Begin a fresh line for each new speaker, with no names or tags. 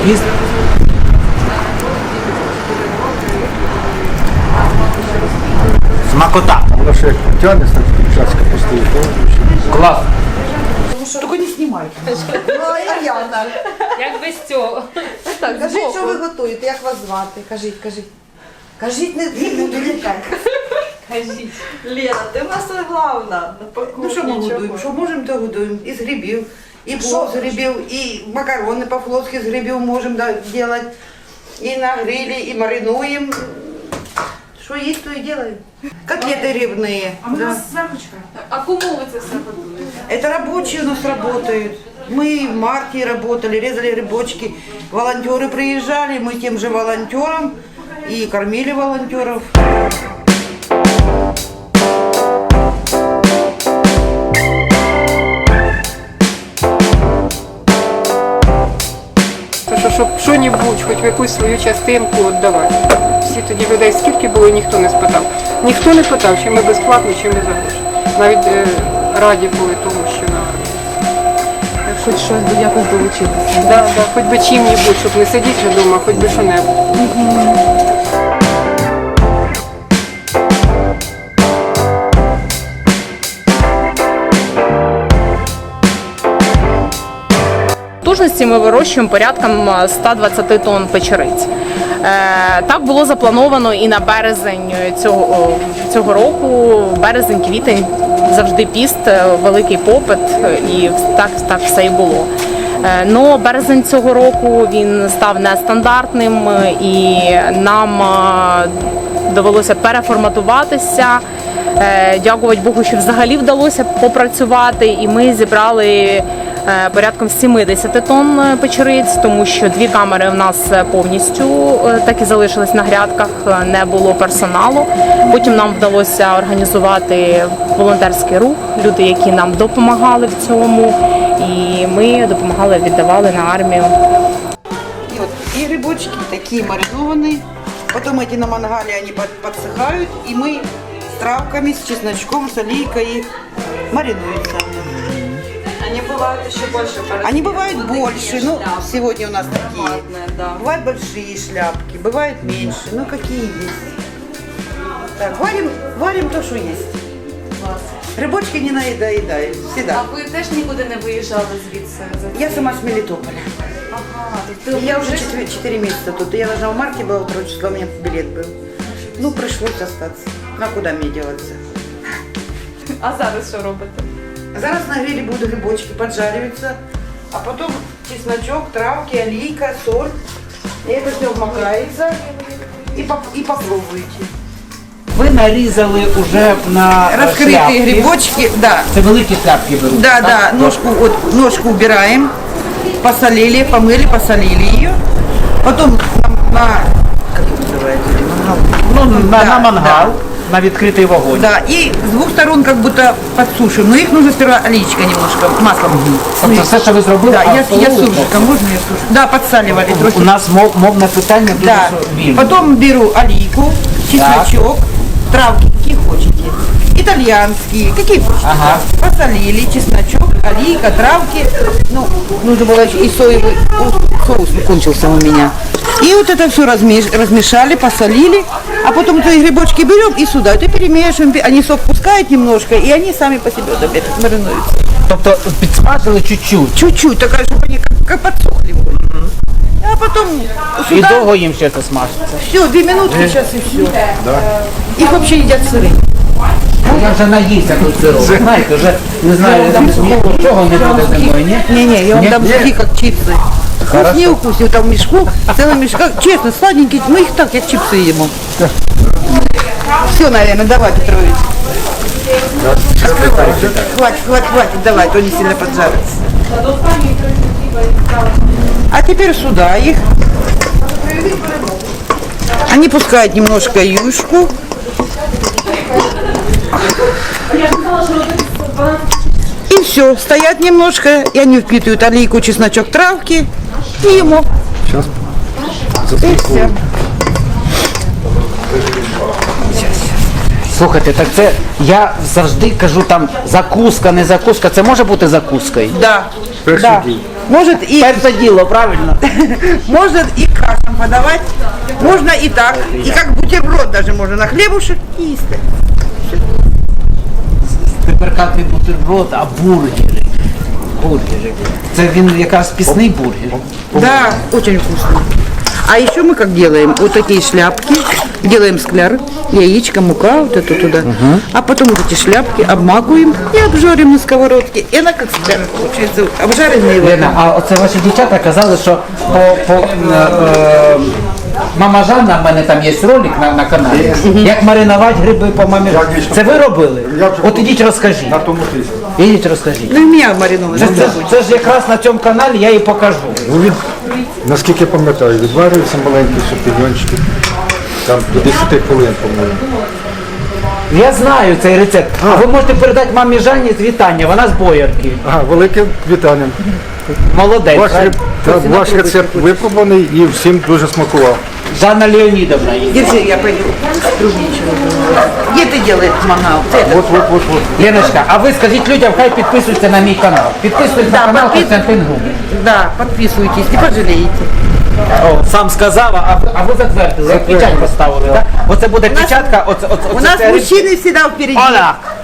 піст. Смакота.
Воно ще як тягнеться, так чашка постоїть.
Клас.
Тільки не знімайте.
Ну, а я так.
Як без цього?
Так, кажіть, що ви готуєте, як вас звати? Кажіть. Кажіть, не буду лякати.
Кажіть.
Лена, ти в нас головна.
Ну що ми готуємо? Що можемо, то готуємо. Із грибів. І плов з грибів, і макарони по-флотськи з грибів можемо робити. І на грилі, і маринуємо. Що є, то і робимо. Котлеты рыбные.
А у нас започка. А кому ви це все готуєте?
Это рабочие у нас работают. Мы в марте работали, резали рыбочки. Волонтеры приезжали, мы тем же волонтерам и кормили волонтеров.
Щоб що-небудь, хоч в якусь свою частинку віддавати. Всі тоді людей скільки було, ніхто не спитав. Ніхто не питав, чи ми безплатно, чи ми за гроші. Навіть раді були тому, що на армії.
Хоч щось якось долучитися.
Да, хоч би чим-небудь, щоб не сидіти вдома, хоч би що-небудь.
Потужності ми вирощуємо порядком 120 тонн печериць. Так було заплановано і на березень цього року. Березень-квітень завжди піст, великий попит, і так все і було. Но березень цього року він став нестандартним, і нам довелося переформатуватися. Дякувати Богу, що взагалі вдалося попрацювати, і ми зібрали порядком 70 тонн печериць, тому що 2 камери в нас повністю так і залишились на грядках, не було персоналу. Потім нам вдалося організувати волонтерський рух, люди, які нам допомагали в цьому, і ми допомагали, віддавали на армію.
И грибочки такие маринованные. Потом эти на мангале они подсыхают, и мы с травками, с чесночком, с олейкой их маринуются.
Они бывают еще больше.
Они бывают больше, ну, сегодня у нас такие.
Да.
Бывают большие шляпки, бывают меньше, ну, какие есть. Так, варим то, что есть. Рыбочки не наедаем, всегда.
А ви теж нікуди не виїжджали звідси?
Я сама с Мелитополя.
Ага, тобто
Я уже 4 месяца тут. Я должна в марте была 2 числа, у меня билет был. Ну, пришлось остаться. Ну, а куда мне деваться?
А зараз що робите?
Зараз на гриле будут грибочки поджариваться, а потом чесночок, травки, олейка, соль. И это все вмакается и попробуйте.
Ви нарізали уже на
Раскрытые
шляпки.
грибочки, да.
Це великі шляпки беруть.
Да,
так?
да, ножку убираем, посолили, помыли, посолили ее. Потом как это называется?
На мангал, на відкритий вогонь.
Да, и с 2 сторон как будто подсушим. Но их нужно сперва олейчика немножко, маслом.
Тобто все, що ви зробили,
Да, я
обсолили
сушечка,
повністю?
можно я сушу? Да, подсаливали
У
трохи.
нас мовне питання дуже
Да.
вільне.
Потом беру олейку, чесночок, травки, какие хотите. Итальянские, какие хотите.
Ага.
Посолили, чесночок, олейка, травки. Ну, нужно было еще и соевый соус кончился у меня. И вот это все размешали, посолили, а потом эти грибочки берем и сюда это перемешиваем. Они сок пускают немножко, и они сами по себе вот опять маринуются.
Тобто підсмажили чуть-чуть.
Чуть-чуть, такая, чтобы они как подсохли. А потом
І
сюда
довго їм ще це смажиться.
все, 2 минутки сейчас и все. Их вообще едят сырые.
Я вже наївся тут сиру. Ви знаєте, вже не знаю, чого не буде зимою, ні?
Не-не, я вам
Нет?
дам сухие, как чипсы. Вкуснее укусил, там в мешку, целый мешок. Честно, сладенькие, мы их так, как чипсы ему. Все, наверное, давай, Петрович. Хватит, давай, то не сильно поджарится. А теперь сюда их. Они пускают немножко юшку. И все, стоят немножко, и они впитывают олейку, чесночок, травки и ему.
Сейчас
И все.
Слухайте, так це я завжди кажу там закуска, не закуска. Це може бути закускою?
Да.
перший
Да.
день.
Может и,
Перше діло, правильно?
может и кашем подавать, можно и так, и как бутерброд даже можно на хлебушек и есть.
Тепер як не бутерброд, а бургери. Бургери. Це він якраз пісний бургер.
Да, очень вкусно. А еще мы как делаем? Вот такие шляпки, делаем скляр, яичко, мука, вот это туда. А потом вот эти шляпки обмакиваем и обжарим на сковородке. И она как скляр получается, обжаренные.
Лена, а оце ваші дівчата казали, що Мама Жанна, в мене там є ролик на каналі, як маринувати гриби по мамі Жанні. Це ви робили? От ідіть розкажіть.
На тому тиску.
Ідіть розкажіть.
Ну и меня мариновали.
Це ж якраз на цьому каналі я і покажу.
Ну, наскільки я пам'ятаю, відварюються маленькі шампіньончики. Там до 10 хвилин, по-моєму.
Я знаю цей рецепт. А ви можете передати мамі Жанні з вітання, вона з Боярки.
Ага, велике вітання.
Молодець.
Ваш рецепт випробуваний і всім дуже смакував.
Жанна Леонідовна є.
Держи, я пойду. Трудничего. Где ты делаешь мангал?
Вот.
Леночка, а ви скажіть людям, хай підписуються на мій канал. Підписуйтесь на канал Костянтин Губ.
Да, подписывайтесь, не пожалеете.
О, сам сказав, а ви затвердили, як печать поставили. Так? Оце буде печатка,
У нас
це
мужчины всегда впереди.
Оля,